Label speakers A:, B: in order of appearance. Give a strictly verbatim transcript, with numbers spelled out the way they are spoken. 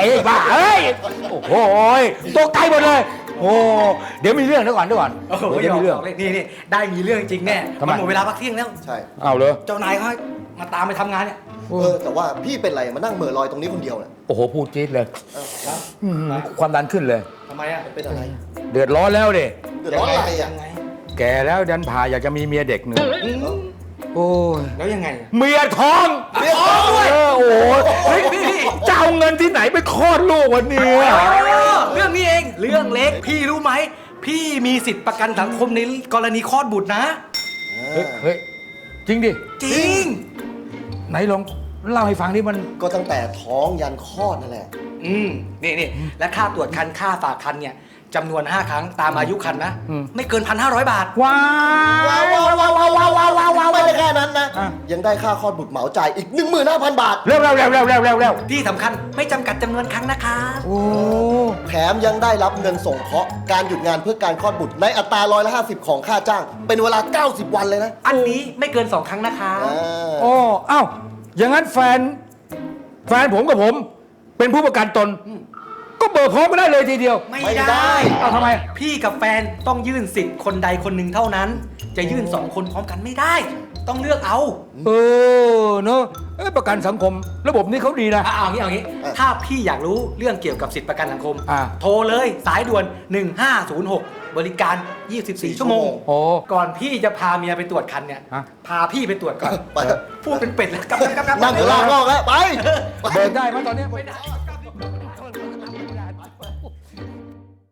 A: ไอ้บ้าเอ้ยโอ้โหตกใจหมดเลยโอ้เดี๋ยวมีเรื่องเดี๋ยวก่อนเดี๋ยวก่อน
B: โอ้โห
A: เดี๋ยวมีเรื่อง
B: นี่นี่ได้มีเรื่องจริงแน่
A: ทำไม
B: มันหมดเวลาพักเที่ยงแล้ว
C: ใช่
A: เอาเลย
B: เจ้านายเขาให้มาตามไปทำงานเนี่ย
C: เออแต่ว่าพี่เป็นไรมานั่งเหม่อลอยตรงนี้คนเดียวเนี่ย
A: โอ้โหพูดจี๊ดเลยอื้อหือความดันขึ้นเลย
B: ทำไมอ่ะ
C: เป็นอะไร
A: เดือดร้อนแล้วดิ
C: เดือดร้อนอะไรอ่ะ
B: ยังไง
A: แก่แล้วดันผ่าอยากจะมีเมียเด็กหนึ่ง
B: อืม
A: โอ้ย
B: แล้วยังไง
A: เมียท้อง
C: เมียท้องด้วย
A: เออโอ้โหเฮ้ยจะเอาเงินที่ไหนไปคลอดลูกวันนี้
B: อ๋อเรื่องนี้เองเรื่องเล็กพี่รู้ไหมพี่มีสิทธิประกันสังคมในกรณีคลอดบุตรนะ
A: เฮ้ยเฮ้ยจริงดิ
B: จริง
A: ไหนลองเล่าให้ฟังดิมัน
C: ก็ตั้งแต่ท้องยันคลอดนั่นแหละ
B: อืมนี่นี่และค่าตรวจคันค่าฝากคันเนี่ยจำนวน ห้า ครั้งตามอายุคันนะ ไม่เกิน พันห้าร้อย บาท
A: ว้า
C: ว้าวว้าวว้าวว้าวว้าวว้าวว้าวว้าวไม่ได้แค่นั้นนะ
A: อ่ะ
C: ยังได้ค่าคลอดบุตรเหมาจ่ายอีก หนึ่งหมื่นห้าพัน บาท
A: เร็วเร็วเร็วเร็วเร็วเร็วเร็ว
B: ที่สำคัญไม่จำกัดจำนวนครั้งนะคะ
A: โอ้
C: แถมยังได้รับเงินส่งเคราะห์การหยุดงานเพื่อการคลอดบุตรในอัตราร้อยละห้าสิบของค่าจ้าง เป็นเวลา เก้าสิบ วันเลยนะ
B: อันนี้ไม่เกิน สอง ครั้งนะคะ
C: อ่า
A: โอ้เอ้าอย่างนั้นแฟน แฟนผมกับผม เป็นผู้ประกันตน ก็เบิกพร้อมกันได้เลยทีเดียว
B: ไม่
C: ไม่ได้
B: ได้
A: เอาทำไม
B: พี่กับแฟนต้องยื่นสิทธิ์คนใดคนหนึ่งเท่านั้น จะยื่นสองคนพร้อมกันไม่ได้ ต้องเลือกเอา
A: เออเนอะเอ้ยประกันสังคม ระบบนี้เขาดีนะ
B: อ่ะเอางี้เอางี้
C: อ่ะ
B: ถ้าพี่อยากรู้เรื่องเกี่ยวกับสิทธิประกันสังคม
A: อ่ะ
B: โทรเลยสายด่วน หนึ่งห้าศูนย์หก บริการ ยี่สิบสี่ ชั่วโมง
A: โอ้
B: ก่อนพี่จะพาเมียไปตรวจคันเนี่ย
A: ฮะ
B: พาพี่ไปตรวจก่อน
C: ไป
B: พูดเป็นเป็ดแล้วกลับกลับกลับ
C: นั่งอยู่ล่างนอกแล้วไป
A: เบิกได้ไหมตอนเนี้ย
B: ไม่ได้